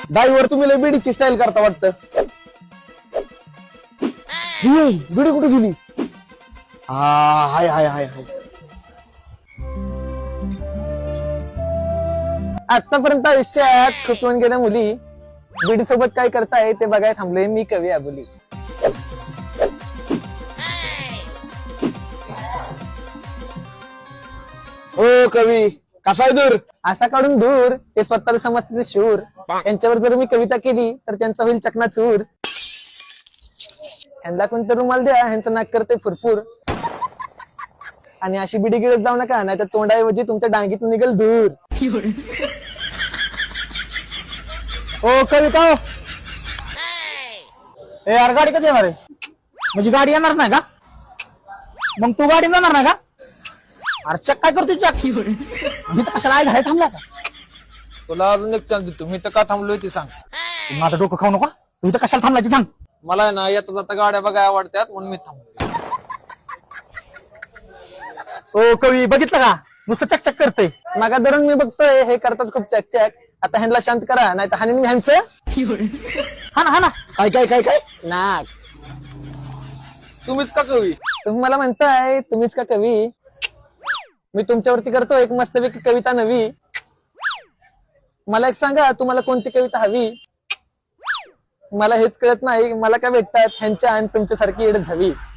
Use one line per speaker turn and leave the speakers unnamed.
दाईवर तुम्ही लय बिडीची स्टाईल करता वाटतं. बिडी कुठे गेली? हाय हाय हाय हाय. आतापर्यंत आयुष्यात खुपवून गेल्या मुली बिडी सोबत काय करताय ते बघायला थांबलोय मी कवी आबोली. ओ कवी कसा आहे दूर? असा काढून दूर ते स्वतःला समजते शूर. यांच्यावर जर मी कविता केली तर त्यांचा होईल चकनाचूर. ह्यांना कोणतं रुमाल द्या, ह्यांचं नाक करते फुरफुर. आणि अशी बिडी गिळत जाऊ नका, नाही तर तोंडाऐवजी तुमच्या डांगीतून निघेल दूर. ओ कविता, ए यार गाडी कधी येणार आहे? म्हणजे गाडी येणार नाही का? मग तू गाडी जाणार नाही का? अरे चक काय करतो चक? मी तर कशाला घरात थांबला का?
तुला अजून एक चान्स देतो. मी तर का थांबलोय ते सांग.
माझं डोकं खाऊ नका. तू इथं कशाला थांबला ते सांग.
मला ना येता जाता गाड्या बघायला आवडतात म्हणून मी थांबलो.
ओ कवी बघितलं का? नुसतं चकचक करतोय. मागा धरून मी बघतोय हे करतात खूप चकचक. आता ह्यांना शांत करा, नाही तर हानी ह्यांचं. हा ना काय काय काय काय नाक.
तुम्हीच का कवी?
तुम्ही मला म्हणताय तुम्हीच का कवी? मी तुमच्यावरती करतो एक मस्तपैकी कविता नवी. मला एक सांगा, तुम्हाला कोणती कविता हवी? मला हेच कळत नाही, मला काय भेटतात ह्यांच्या आणि तुमच्यासारखी येड झावी.